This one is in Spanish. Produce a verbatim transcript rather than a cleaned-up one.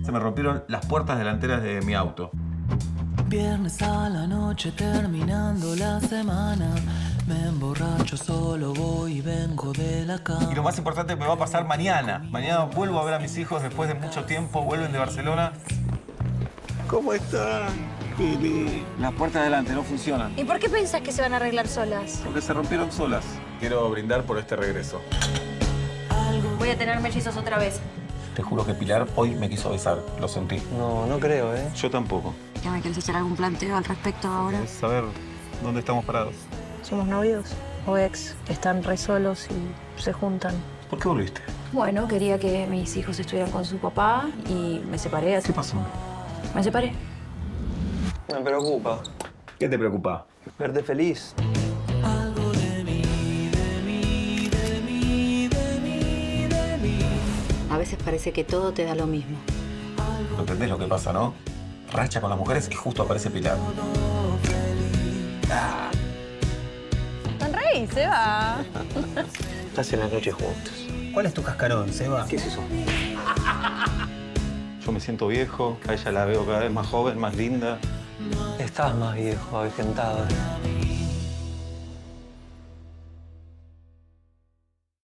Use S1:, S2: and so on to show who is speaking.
S1: se me rompieron las puertas delanteras de mi auto.
S2: Viernes a la noche terminando la semana. Me emborracho, solo voy y vengo de la cama.
S1: Y lo más importante me va a pasar mañana. Mañana vuelvo a ver a mis hijos después de mucho tiempo. Vuelven de Barcelona. ¿Cómo están, Pili? Las puertas delante no funcionan.
S3: ¿Y por qué pensás que se van a arreglar solas?
S1: Porque se rompieron solas. Quiero brindar por este regreso.
S3: Voy a tener mellizos otra vez.
S1: Te juro que Pilar hoy me quiso besar. Lo sentí.
S4: No, no creo, ¿eh?
S1: Yo tampoco.
S3: ¿Ya me querés hacer algún planteo al respecto ahora?
S1: Es saber dónde estamos parados.
S5: ¿Somos novios o ex? Están re solos y se juntan.
S1: ¿Por qué volviste?
S5: Bueno, quería que mis hijos estuvieran con su papá y me separé. Así.
S1: ¿Qué pasó?
S5: Me separé.
S4: Me preocupa.
S1: ¿Qué te preocupa?
S4: Verte feliz.
S2: Algo de mí, de mí, de mí, de mí, de mí.
S3: A veces parece que todo te da lo mismo.
S1: ¿No entendés lo que pasa, no? Racha con las mujeres y justo aparece Pilar.
S5: Sonreí, Seba.
S4: Estás en la noche juntos.
S6: ¿Cuál es tu cascarón, Seba?
S4: ¿Qué es eso?
S1: Yo me siento viejo, a ella la veo cada vez más joven, más linda.
S4: Estás más viejo, avejentado.